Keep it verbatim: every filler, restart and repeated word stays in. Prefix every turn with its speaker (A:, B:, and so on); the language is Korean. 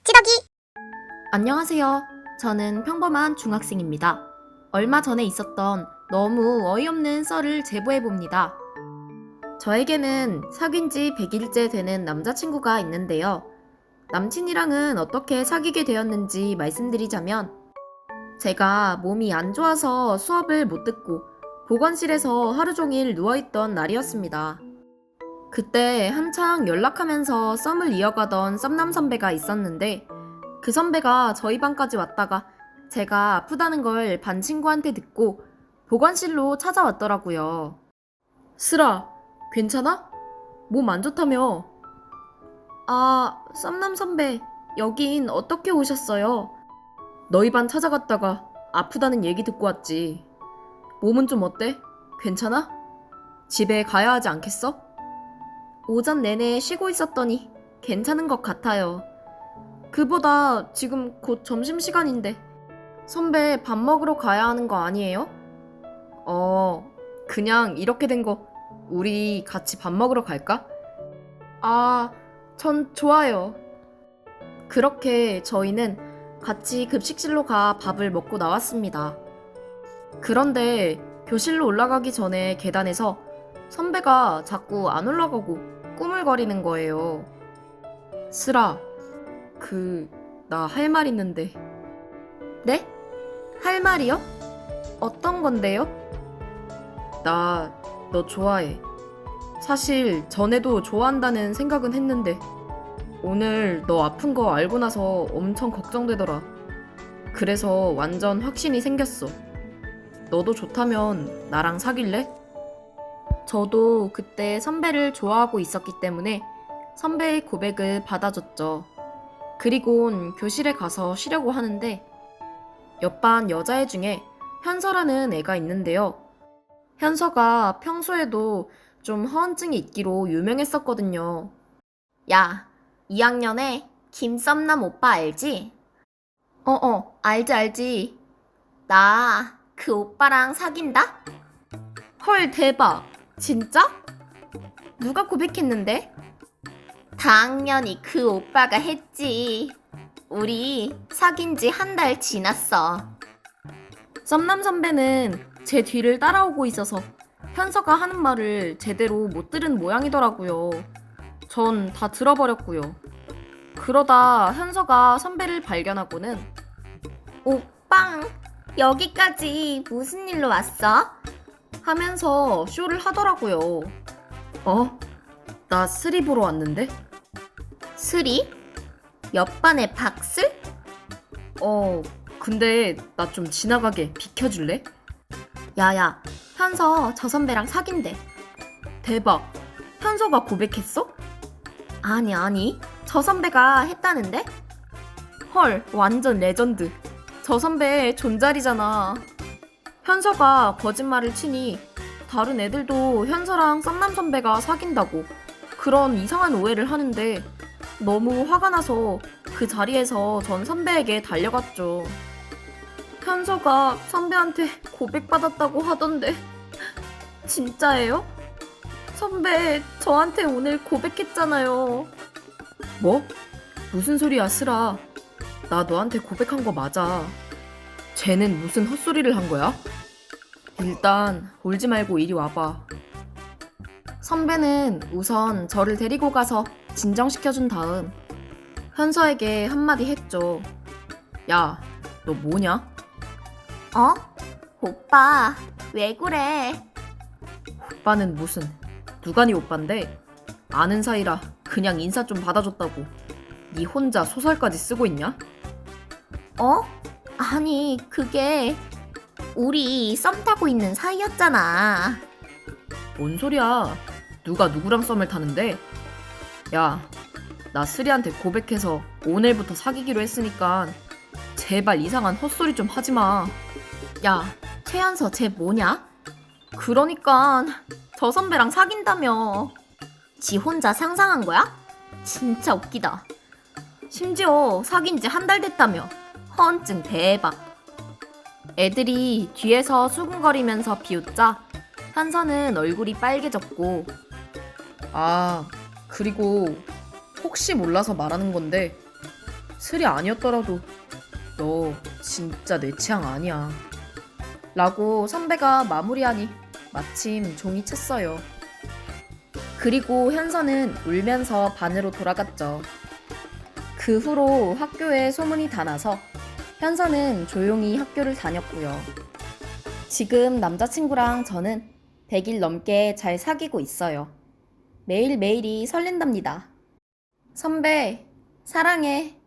A: 찌덕이.
B: 안녕하세요. 저는 평범한 중학생입니다. 얼마 전에 있었던 너무 어이없는 썰을 제보해봅니다. 저에게는 사귄 지 백 일째 되는 남자친구가 있는데요. 남친이랑은 어떻게 사귀게 되었는지 말씀드리자면, 제가 몸이 안 좋아서 수업을 못 듣고 보건실에서 하루 종일 누워있던 날이었습니다. 그때 한창 연락하면서 썸을 이어가던 썸남 선배가 있었는데, 그 선배가 저희 반까지 왔다가 제가 아프다는 걸 반 친구한테 듣고 보건실로 찾아왔더라고요. 슬아, 괜찮아? 몸 안 좋다며? 아, 썸남 선배, 여긴 어떻게 오셨어요? 너희 반 찾아갔다가 아프다는 얘기 듣고 왔지. 몸은 좀 어때? 괜찮아? 집에 가야 하지 않겠어? 오전 내내 쉬고 있었더니 괜찮은 것 같아요. 그보다 지금 곧 점심시간인데 선배 밥 먹으러 가야 하는 거 아니에요? 어, 그냥 이렇게 된 거 우리 같이 밥 먹으러 갈까? 아, 전 좋아요. 그렇게 저희는 같이 급식실로 가 밥을 먹고 나왔습니다. 그런데 교실로 올라가기 전에 계단에서 선배가 자꾸 안 올라가고 꾸물거리는 거예요. 슬아, 그, 나 할 말 있는데. 네? 할 말이요? 어떤 건데요? 나 너 좋아해. 사실 전에도 좋아한다는 생각은 했는데 오늘 너 아픈 거 알고 나서 엄청 걱정되더라. 그래서 완전 확신이 생겼어. 너도 좋다면 나랑 사귈래? 저도 그때 선배를 좋아하고 있었기 때문에 선배의 고백을 받아줬죠. 그리곤 교실에 가서 쉬려고 하는데 옆반 여자애 중에 현서라는 애가 있는데요. 현서가 평소에도 좀 허언증이 있기로 유명했었거든요. 야, 이 학년에 김썸남 오빠 알지? 어어, 알지 알지. 나 그 오빠랑 사귄다? 헐, 대박. 진짜? 누가 고백했는데? 당연히 그 오빠가 했지. 우리 사귄 지 한 달 지났어. 썸남 선배는 제 뒤를 따라오고 있어서 현서가 하는 말을 제대로 못 들은 모양이더라고요. 전 다 들어버렸고요. 그러다 현서가 선배를 발견하고는 오빵, 여기까지 무슨 일로 왔어? 하면서 쇼를 하더라고요. 어? 나 스리 보러 왔는데? 스리? 옆반의 박슬? 어, 근데 나 좀 지나가게 비켜줄래? 야야, 현서 저 선배랑 사귄대. 대박, 현서가 고백했어? 아니 아니, 저 선배가 했다는데? 헐, 완전 레전드. 저 선배 존잘이잖아. 현서가 거짓말을 치니 다른 애들도 현서랑 썸남 선배가 사귄다고 그런 이상한 오해를 하는데 너무 화가 나서 그 자리에서 전 선배에게 달려갔죠. 현서가 선배한테 고백받았다고 하던데 진짜예요? 선배 저한테 오늘 고백했잖아요. 뭐? 무슨 소리야 슬아. 나 너한테 고백한 거 맞아. 쟤는 무슨 헛소리를 한 거야? 일단 울지 말고 이리 와봐. 선배는 우선 저를 데리고 가서 진정시켜준 다음 현서에게 한마디 했죠. 야, 너 뭐냐? 어? 오빠, 왜 그래? 오빠는 무슨, 누가 네 오빠인데? 아는 사이라 그냥 인사 좀 받아줬다고 네 혼자 소설까지 쓰고 있냐? 어? 아니, 그게 우리 썸 타고 있는 사이였잖아. 뭔 소리야? 누가 누구랑 썸을 타는데? 야, 나 스리한테 고백해서 오늘부터 사귀기로 했으니까 제발 이상한 헛소리 좀 하지 마. 야, 최연서 쟤 뭐냐? 그러니까 저 선배랑 사귄다며. 지 혼자 상상한 거야? 진짜 웃기다. 심지어 사귄 지 한 달 됐다며. 허언증 대박. 애들이 뒤에서 수근거리면서 비웃자 현서는 얼굴이 빨개졌고, 아, 그리고 혹시 몰라서 말하는 건데 술이 아니었더라도 너 진짜 내 취향 아니야. 라고 선배가 마무리하니 마침 종이 쳤어요. 그리고 현서는 울면서 반으로 돌아갔죠. 그 후로 학교에 소문이 다 나서 현서는 조용히 학교를 다녔고요. 지금 남자친구랑 저는 백 일 넘게 잘 사귀고 있어요. 매일매일이 설렌답니다. 선배, 사랑해.